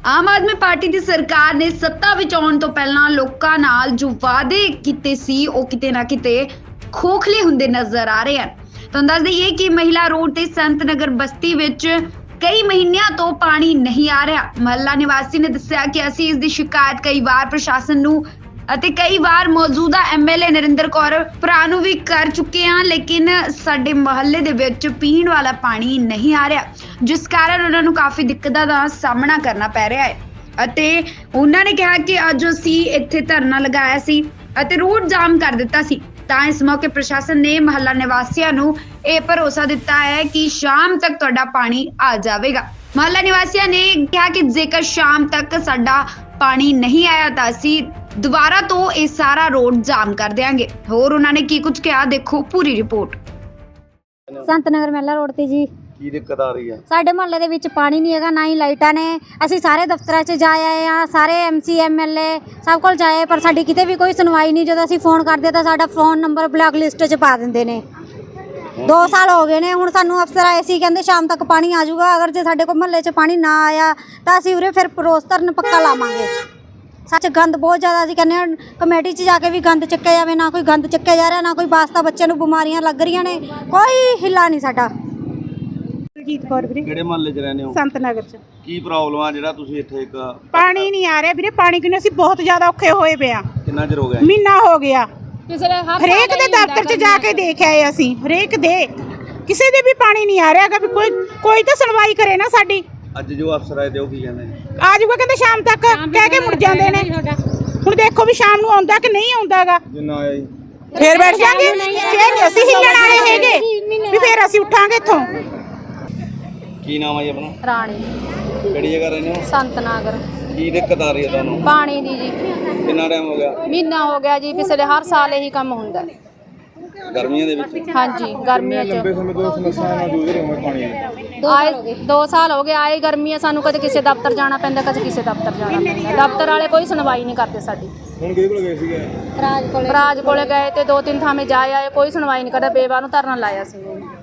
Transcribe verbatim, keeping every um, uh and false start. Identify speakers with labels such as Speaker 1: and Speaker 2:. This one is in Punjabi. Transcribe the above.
Speaker 1: ਆਮ ਆਦਮੀ ਪਾਰਟੀ ਦੀ ਸਰਕਾਰ ਨੇ ਸੱਤਾ ਵਿੱਚ ਆਉਣ ਤੋਂ ਪਹਿਲਾਂ ਲੋਕਾਂ ਨਾਲ ਜੋ ਵਾਅਦੇ ਕੀਤੇ ਸੀ ਉਹ ਕਿਤੇ ਨਾ ਕਿਤੇ ਖੋਖਲੇ ਹੁੰਦੇ ਨਜ਼ਰ ਆ ਰਹੇ ਹਨ। ਤੁਹਾਨੂੰ ਦੱਸ ਦਈਏ ਕਿ ਮਹਿਲਾ ਰੋਡ ਤੇ ਸੰਤ ਨਗਰ ਬਸਤੀ ਵਿੱਚ ਕਈ ਮਹੀਨਿਆਂ ਤੋਂ ਪਾਣੀ ਨਹੀਂ ਆ ਰਿਹਾ। ਮਹੱਲਾ ਨਿਵਾਸੀ ਨੇ ਦੱਸਿਆ ਕਿ ਅਸੀਂ ਇਸ ਦੀ ਸ਼ਿਕਾਇਤ ਕਈ ਵਾਰ ਪ੍ਰਸ਼ਾਸਨ ਨੂੰ ਅਤੇ ਕਈ ਵਾਰ ਮੌਜੂਦਾ ਐਮਐਲਏ ਨਰਿੰਦਰ ਕੌਰ ਭਰਾ ਨੂੰ ਵੀ ਕਰ ਚੁੱਕੇ ਹਾਂ, ਲੇਕਿਨ ਸਾਡੇ ਮੁਹੱਲੇ ਦੇ ਵਿੱਚ ਪੀਣ ਵਾਲਾ ਪਾਣੀ ਨਹੀਂ ਆ ਰਿਹਾ, ਜਿਸ ਕਾਰਨ ਉਹਨਾਂ ਨੂੰ ਕਾਫੀ ਦਿੱਕਤਾਂ ਦਾ ਸਾਹਮਣਾ ਕਰਨਾ ਪੈ ਰਿਹਾ ਹੈ। ਅਤੇ ਉਹਨਾਂ ਨੇ ਕਿਹਾ ਕਿ ਅੱਜ ਅਸੀਂ ਇੱਥੇ ਧਰਨਾ ਲਗਾਇਆ ਸੀ ਅਤੇ ਰੋਡ ਜਾਮ ਕਰ ਦਿੱਤਾ ਸੀ, ਤਾਂ ਇਸ ਮੌਕੇ ਪ੍ਰਸ਼ਾਸਨ ਨੇ ਮੁਹੱਲਾ ਨਿਵਾਸੀਆਂ ਨੂੰ ਇਹ ਭਰੋਸਾ ਦਿੱਤਾ ਹੈ ਕਿ ਸ਼ਾਮ ਤੱਕ ਤੁਹਾਡਾ ਪਾਣੀ ਆ ਜਾਵੇਗਾ। ਮੁਹੱਲਾ ਨਿਵਾਸੀਆਂ ਨੇ ਕਿਹਾ ਕਿ ਜੇਕਰ ਸ਼ਾਮ ਤੱਕ ਸਾਡਾ ਪਾਣੀ ਨਹੀਂ ਆਇਆ ਤਾਂ ਅਸੀਂ ਦੁਬਾਰਾ ਤੋਂ ਇਹ ਸਾਰਾ ਰੋਡ ਜਾਮ ਕਰ ਦੇਵਾਂਗੇ। ਹੋਰ ਉਹਨਾਂ ਨੇ ਕੀ ਕੁਝ ਕਿਹਾ, ਦੇਖੋ ਪੂਰੀ ਰਿਪੋਰਟ।
Speaker 2: ਸੰਤ ਨਗਰ ਮਹਿਲਾ ਰੋਡ ਤੇ ਜੀ
Speaker 3: ਕੀ ਦਿੱਕਤ ਆ ਰਹੀ ਹੈ?
Speaker 2: ਸਾਡੇ ਮੁਹੱਲੇ ਦੇ ਵਿੱਚ ਪਾਣੀ ਨਹੀਂ ਹੈਗਾ, ਨਾ ਹੀ ਲਾਈਟਾਂ ਨੇ। ਅਸੀਂ ਸਾਰੇ ਦਫ਼ਤਰਾਂ 'ਚ ਜਾ ਆਏ ਆ, ਸਾਰੇ ਐਮਸੀ ਐਮਐਲਏ ਸਭ ਕੋਲ ਜਾਏ, ਪਰ ਸਾਡੀ ਕਿਤੇ ਵੀ ਕੋਈ ਸੁਣਵਾਈ ਨਹੀਂ। ਜਦੋਂ ਅਸੀਂ ਫੋਨ ਕਰਦੇ ਤਾਂ ਸਾਡਾ ਫੋਨ ਨੰਬਰ ਬਲੈਕ ਲਿਸਟ 'ਚ ਪਾ ਦਿੰਦੇ ਨੇ। ਦੋ ਸਾਲ ਹੋ ਗਏ ਨੇ ਹੁਣ, ਸਾਨੂੰ ਅਫਸਰ ਆਏ ਸੀ, ਕਹਿੰਦੇ ਸ਼ਾਮ ਤੱਕ ਪਾਣੀ ਆ ਜਾਊਗਾ। ਅਗਰ ਜੇ ਸਾਡੇ ਕੋਲ ਮੁਹੱਲੇ 'ਚ ਪਾਣੀ ਨਾ ਆਇਆ ਤਾਂ ਅਸੀਂ ਉਰੇ ਫਿਰ ਪਰੋਸ ਧਰਨ ਪੱਕਾ ਲਾਵਾਂਗੇ। ਸੱਚ ਗੰਦ ਬਹੁਤ ਜ਼ਿਆਦਾ, ਅਸੀਂ ਕਹਿੰਦੇ ਹਾਂ ਕਮੇਟੀ 'ਚ ਜਾ ਕੇ ਵੀ ਗੰਦ ਚੱਕਿਆ ਜਾਵੇ, ਨਾ ਕੋਈ ਗੰਦ ਚੱਕਿਆ ਜਾ ਰਿਹਾ, ਨਾ ਕੋਈ ਵਾਸਤਾ। ਬੱਚਿਆਂ ਨੂੰ ਬਿਮਾਰੀਆਂ ਲੱਗ ਰਹੀਆਂ ਨੇ, ਕੋਈ ਹਿੱਲਾ ਨਹੀਂ ਸਾਡਾ।
Speaker 4: ਜੀਤ ਕੌਰ ਵੀਰੇ,
Speaker 3: ਕਿਹੜੇ ਮਹੱਲੇ 'ਚ ਰਹਿੰਦੇ ਹੋ?
Speaker 4: ਸੰਤ ਨਗਰ 'ਚ।
Speaker 3: ਕੀ ਪ੍ਰੋਬਲਮ ਆ ਜਿਹੜਾ ਤੁਸੀਂ ਇੱਥੇ ਇੱਕ
Speaker 4: ਪਾਣੀ ਨਹੀਂ ਆ ਰਿਹਾ ਵੀਰੇ, ਪਾਣੀ ਕਿੰਨੇ ਅਸੀਂ ਬਹੁਤ ਜ਼ਿਆਦਾ ਔਖੇ ਹੋਏ ਪਏ ਆ।
Speaker 3: ਕਿੰਨਾ ਚਿਰ ਹੋ ਗਿਆ?
Speaker 4: ਮਹੀਨਾ ਹੋ ਗਿਆ। ਹਰੇਕ ਦੇ ਦਫ਼ਤਰ 'ਚ ਜਾ ਕੇ ਦੇਖ ਆਏ ਅਸੀਂ, ਹਰੇਕ ਦੇ, ਕਿਸੇ ਦੇ ਵੀ ਪਾਣੀ ਨਹੀਂ ਆ ਰਿਹਾ ਹੈਗਾ। ਵੀ ਕੋਈ ਕੋਈ ਤਾਂ ਸੁਣਵਾਈ ਕਰੇ ਨਾ ਸਾਡੀ।
Speaker 3: ਅੱਜ ਜੋ ਅਫਸਰ ਆਏ ਤੇ ਉਹ ਕੀ ਕਹਿੰਦੇ ਨੇ?
Speaker 4: ਆ ਜਾਊਗਾ ਕਹਿੰਦੇ ਸ਼ਾਮ ਤੱਕ, ਕਹਿ ਕੇ ਮੁੜ ਜਾਂਦੇ ਨੇ। ਹੁਣ ਦੇਖੋ ਵੀ ਸ਼ਾਮ ਨੂੰ ਆਉਂਦਾ ਕਿ ਨਹੀਂ ਆਉਂਦਾਗਾ।
Speaker 3: ਜਿੰਨਾ ਆਇਆ ਜੀ
Speaker 4: ਫੇਰ ਬੈਠ ਜਾਾਂਗੇ, ਫੇਰ ਨਹੀਂ ਅਸੀਂ ਹਿੱਲਣ ਵਾਲੇ ਹੈਗੇ ਵੀ ਫੇਰ ਅਸੀਂ ਉੱਠਾਂਗੇ ਇੱਥੋਂ।
Speaker 3: ਕੀ ਨਾਮ ਹੈ ਜੀ ਆਪਣਾ?
Speaker 2: ਰਾਣੀ।
Speaker 3: ਕਿਹੜੀ ਜਗ੍ਹਾ ਰਹਿੰਦੇ ਹੋ?
Speaker 2: ਸੰਤ ਨਗਰ।
Speaker 3: ਕੀ ਦਿੱਕਤ ਆ ਰਹੀ ਹੈ ਤੁਹਾਨੂੰ?
Speaker 2: ਪਾਣੀ ਦੀ ਜੀ
Speaker 3: ਕਿੰਨਾ ਟਾਈਮ ਹੋ ਗਿਆ?
Speaker 2: ਮਹੀਨਾ ਹੋ ਗਿਆ ਜੀ। ਪਿਛਲੇ ਹਰ ਸਾਲ ਇਹੀ ਕੰਮ ਹੁੰਦਾ।
Speaker 3: ਗਰਮੀਆਂ ਦੇ ਵਿੱਚ?
Speaker 2: ਹਾਂਜੀ, ਗਰਮੀਆਂ 'ਚ
Speaker 3: ਲੰਬੇ ਸਮੇਂ ਤੋਂ ਸਮੱਸਿਆ ਨਾਲ ਜੂਝ ਰਹੇ ਹੋ ਪਾਣੀ ਦੀ?
Speaker 2: ਆਏ ਦੋ ਸਾਲ ਹੋ ਗਏ ਆਏ ਗਰਮੀਆਂ, ਸਾਨੂੰ ਕਦੇ ਕਿਸੇ ਦਫ਼ਤਰ ਜਾਣਾ ਪੈਂਦਾ, ਕਦੇ ਕਿਸੇ ਦਫ਼ਤਰ ਜਾਣਾ ਪੈਂਦਾ। ਦਫ਼ਤਰ ਵਾਲੇ ਕੋਈ ਸੁਣਵਾਈ ਨਹੀਂ ਕਰਦੇ ਸਾਡੀ।
Speaker 3: ਹੁਣ ਕਿਹਦੇ ਕੋਲ ਗਏ ਸੀਗੇ?
Speaker 2: ਰਾਜ ਕੋਲੇ ਰਾਜ ਕੋਲੇ ਗਏ ਤੇ ਦੋ ਤਿੰਨ ਥਾਵੇਂ ਜਾ ਆਏ, ਕੋਈ ਸੁਣਵਾਈ ਨਹੀਂ ਕਰਦਾ। ਬੇਵਾ ਨੂੰ ਧਰਨਾ ਲਾਇਆ ਸੀ।